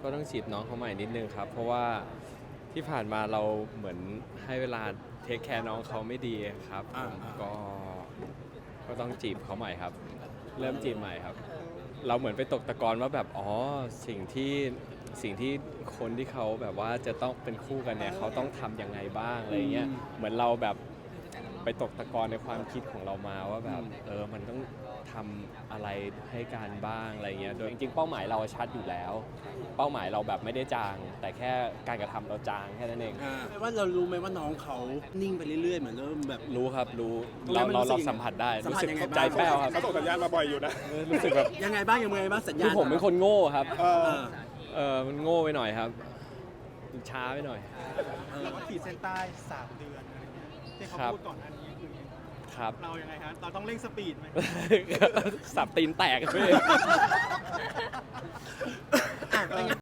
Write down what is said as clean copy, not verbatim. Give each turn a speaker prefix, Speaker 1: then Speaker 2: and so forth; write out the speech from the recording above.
Speaker 1: ก็ต้องจีบน้องเขาใหม่นิดนึงครับเพราะว่าที่ผ่านมาเราเหมือนให้เวลาเทคแคร์น้องเขาไม่ดีครับก็ต้องจีบเขาใหม่ครับเริ่มจีบใหม่ครับเราเหมือนไปตกตะกอนว่าแบบอ๋อสิ่งที่คนที่เขาแบบว่าจะต้องเป็นคู่กันเนี่ยเขาต้องทำยังไงบ้างอะไรเงี้ยเหมือนเราแบบไปตกตะกอนในความคิดของเรามาว่าแบบมันต้องทำอะไรให้การบ้างอะไรเงี้ยโดยจริงๆเป้าหมายเราชัดอยู่แล้วเป้าหมายเราแบบไม่ได้จางแต่แค่การกระทำเราจางแค่นั้นเอง
Speaker 2: ว่าเรารู้ไหมว่าน้องเขานิ่งไปเรื่อยๆเหมือนเริ่มแบบ
Speaker 1: รู้ครับรู้เราสัมผัสได้รู้สึกเข้าใจแป้วครับ
Speaker 3: เขาส่งสัญญาณมาบ่อยอยู่นะ
Speaker 1: รู้สึกแบบ
Speaker 2: ยังไงบ้างสัญญาณ
Speaker 1: คือผมเป็นคนโง่ครับมันโง่ไปหน่อยครับช้าไปหน่อย
Speaker 3: ว่าขีดเส้นใต้3 เดือนอะไรเงี้ยที่เขาพูดก่อนอันนี้คือ
Speaker 1: ครับ
Speaker 3: เรายังไงฮะเราต้องเร่งสปีดไหม
Speaker 1: สับตีนแตกเลย